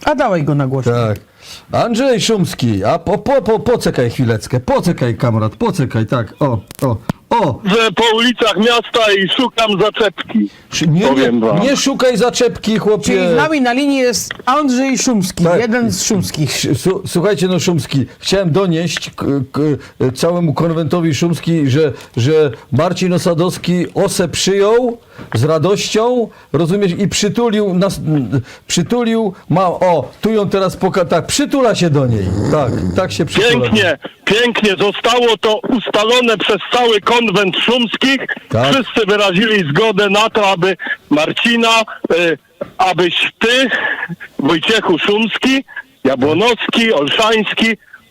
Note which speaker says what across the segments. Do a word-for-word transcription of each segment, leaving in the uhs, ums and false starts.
Speaker 1: A dałej go na głośno.
Speaker 2: Tak. Andrzej Szumski, a po, po, po, poczekaj chwileczkę, poczekaj kamrat, poczekaj, tak, o, o, o.
Speaker 3: Że po ulicach miasta i szukam zaczepki.
Speaker 2: Szy- Nie, nie,
Speaker 3: Powiem wam.
Speaker 2: nie szukaj zaczepki, chłopie.
Speaker 1: Czyli z nami na linii jest Andrzej Szumski,
Speaker 2: Tak.
Speaker 1: jeden z Szumskich.
Speaker 2: Su- Słuchajcie, no Szumski, chciałem donieść k- k- całemu konwentowi Szumski, że, że Marcin Osadowski Osę przyjął z radością, rozumiesz, i przytulił nas, przytulił, ma, o, tu ją teraz poka, tak, przytula się do niej, tak, tak się przytula.
Speaker 3: Pięknie, pięknie. Zostało to ustalone przez cały konwent szumskich.
Speaker 2: Tak.
Speaker 3: Wszyscy wyrazili zgodę na to, aby Marcina, y, abyś ty, Wojciechu Szumski, Jabłonowski, Olszański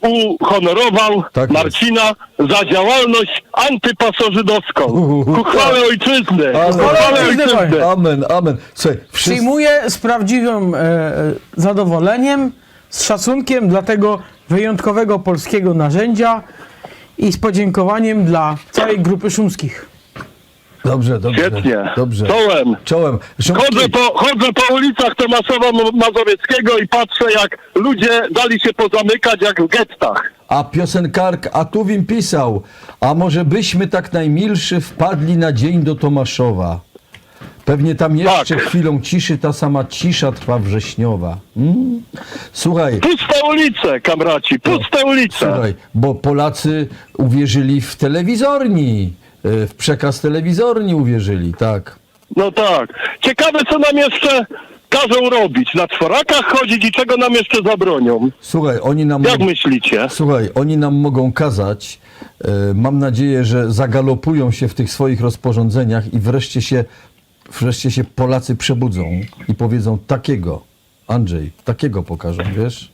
Speaker 3: uhonorował
Speaker 2: Tak jest.
Speaker 3: Marcina za działalność antypasożydowską.
Speaker 2: Uhuhu,
Speaker 3: Ku chwale
Speaker 2: tak.
Speaker 3: ojczyzny.
Speaker 2: Amen.
Speaker 3: Ku chwale
Speaker 1: Ojczyzny.
Speaker 3: ojczyzny.
Speaker 2: Amen, amen. Słuchaj, wszyscy,
Speaker 1: Przyjmuję z prawdziwym e, e, zadowoleniem, z szacunkiem dla tego wyjątkowego polskiego narzędzia i z podziękowaniem dla całej grupy Szumskich.
Speaker 2: dobrze, dobrze,
Speaker 3: Świetnie.
Speaker 2: dobrze.
Speaker 3: Czołem.
Speaker 2: Czołem. Szumski.
Speaker 3: Chodzę po, chodzę po ulicach Tomaszowa Mazowieckiego i patrzę, jak ludzie dali się pozamykać jak w gettach.
Speaker 2: A piosenkarka, a tu im pisał, a może byśmy tak najmilszy wpadli na dzień do Tomaszowa. Pewnie tam jeszcze
Speaker 3: Tak.
Speaker 2: chwilą ciszy ta sama cisza trwa wrześniowa. Mm? Słuchaj,
Speaker 3: Puste ulice, kamraci, puste ulice.
Speaker 2: słuchaj, bo Polacy uwierzyli w telewizorni, y, w przekaz telewizorni uwierzyli, tak.
Speaker 3: No tak. Ciekawe, co nam jeszcze każą robić. Na czworakach chodzić i czego nam jeszcze zabronią.
Speaker 2: Słuchaj, oni nam...
Speaker 3: Jak myślicie?
Speaker 2: Słuchaj, oni nam mogą kazać. E, mam nadzieję, że zagalopują się w tych swoich rozporządzeniach i wreszcie się, wreszcie się Polacy przebudzą i powiedzą takiego, Andrzej, takiego pokażą, wiesz?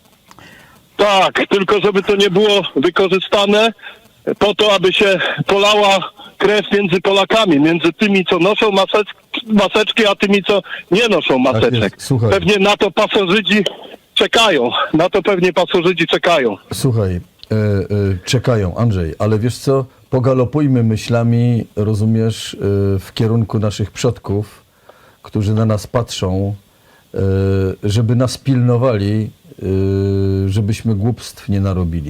Speaker 3: Tak, tylko żeby to nie było wykorzystane po to, aby się polała krew między Polakami, między tymi, co noszą maseczki, maseczki a tymi, co nie noszą maseczek.
Speaker 2: jest, słuchaj.
Speaker 3: Pewnie na to pasożyci czekają. Na to pewnie pasożyci czekają.
Speaker 2: Słuchaj, e, e, czekają, Andrzej, ale wiesz co? Pogalopujmy myślami, rozumiesz, e, w kierunku naszych przodków, którzy na nas patrzą, e, żeby nas pilnowali, e, żebyśmy głupstw nie narobili.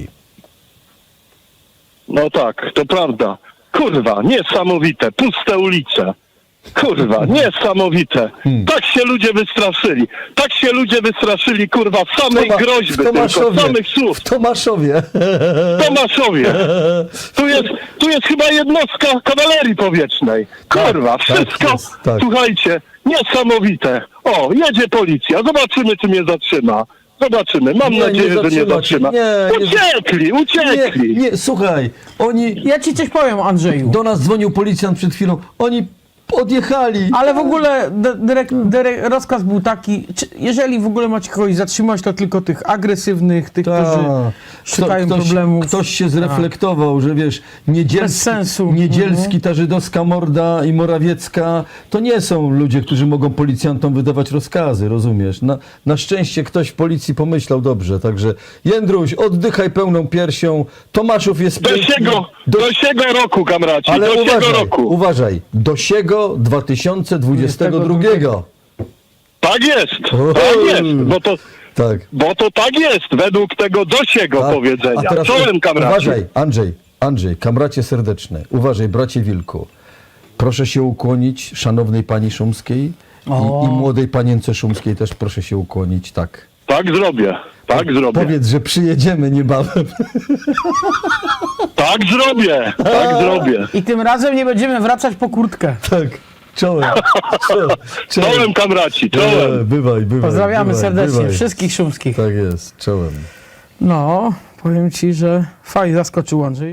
Speaker 3: No tak, to prawda. Kurwa, niesamowite, puste ulice. Kurwa, niesamowite.
Speaker 2: Hmm.
Speaker 3: Tak się ludzie wystraszyli. Tak się ludzie wystraszyli, kurwa, samej
Speaker 2: Toma-
Speaker 3: groźby
Speaker 2: w
Speaker 3: tylko,
Speaker 2: Tomaszowie,
Speaker 3: samych słów.
Speaker 2: w Tomaszowie.
Speaker 3: W Tomaszowie. Tu jest, tu jest chyba jednostka kawalerii powietrznej. Kurwa,
Speaker 2: Tak, tak
Speaker 3: wszystko,
Speaker 2: jest, tak.
Speaker 3: słuchajcie, niesamowite. O, jedzie policja, zobaczymy, czy mnie zatrzyma. Zobaczymy, mam
Speaker 2: Nie,
Speaker 3: nadzieję,
Speaker 2: nie
Speaker 3: że nie
Speaker 2: zatrzyma cię.
Speaker 3: zatrzyma.
Speaker 2: Nie, nie-
Speaker 3: Uciekli, uciekli.
Speaker 2: Nie, nie, słuchaj, oni,
Speaker 1: Ja ci coś powiem, Andrzeju.
Speaker 2: do nas dzwonił policjant przed chwilą, oni odjechali.
Speaker 1: Ale w ogóle dy- dyrek, dyrek, rozkaz był taki, czy, jeżeli w ogóle macie kogoś zatrzymać, to tylko tych agresywnych, tych,
Speaker 2: Ta.
Speaker 1: którzy
Speaker 2: Kto-
Speaker 1: szukają
Speaker 2: ktoś,
Speaker 1: problemów.
Speaker 2: Ktoś się zreflektował, że wiesz, Niedzielski,
Speaker 1: Bez sensu.
Speaker 2: Niedzielski, ta żydowska morda i Morawiecka, to nie są ludzie, którzy mogą policjantom wydawać rozkazy, rozumiesz? Na, na szczęście ktoś w policji pomyślał dobrze, także Jędruś, oddychaj pełną piersią, Tomaszów jest
Speaker 3: Do
Speaker 2: piękny.
Speaker 3: siego,
Speaker 2: Do-
Speaker 3: do siego roku, kamraci,
Speaker 2: Ale
Speaker 3: do siego
Speaker 2: uważaj,
Speaker 3: roku.
Speaker 2: uważaj, do siego dwa tysiące dwudziestego drugiego.
Speaker 3: Tak jest,
Speaker 2: O,
Speaker 3: tak jest, bo to,
Speaker 2: Tak.
Speaker 3: bo to tak jest, według tego dosiego
Speaker 2: A-
Speaker 3: powiedzenia.
Speaker 2: a teraz
Speaker 3: Czołem, kamraci.
Speaker 2: Uważaj, Andrzej, Andrzej, kamracie serdeczne, uważaj, bracie Wilku. Proszę się ukłonić szanownej pani Szumskiej i,
Speaker 1: O.
Speaker 2: i młodej panience Szumskiej też proszę się ukłonić, tak.
Speaker 3: Tak zrobię, tak zrobię,
Speaker 2: Powiedz, że przyjedziemy niebawem.
Speaker 3: tak zrobię, tak zrobię.
Speaker 1: I tym razem nie będziemy wracać po kurtkę.
Speaker 2: Tak, czołem. Czołem,
Speaker 3: Czołem, kamraci, czołem.
Speaker 2: E, Bywaj, bywaj.
Speaker 1: Pozdrawiamy
Speaker 2: bywaj,
Speaker 1: serdecznie
Speaker 2: bywaj.
Speaker 1: wszystkich Szumskich.
Speaker 2: Tak jest, czołem.
Speaker 1: No, powiem ci, że fajnie zaskoczył Andrzej.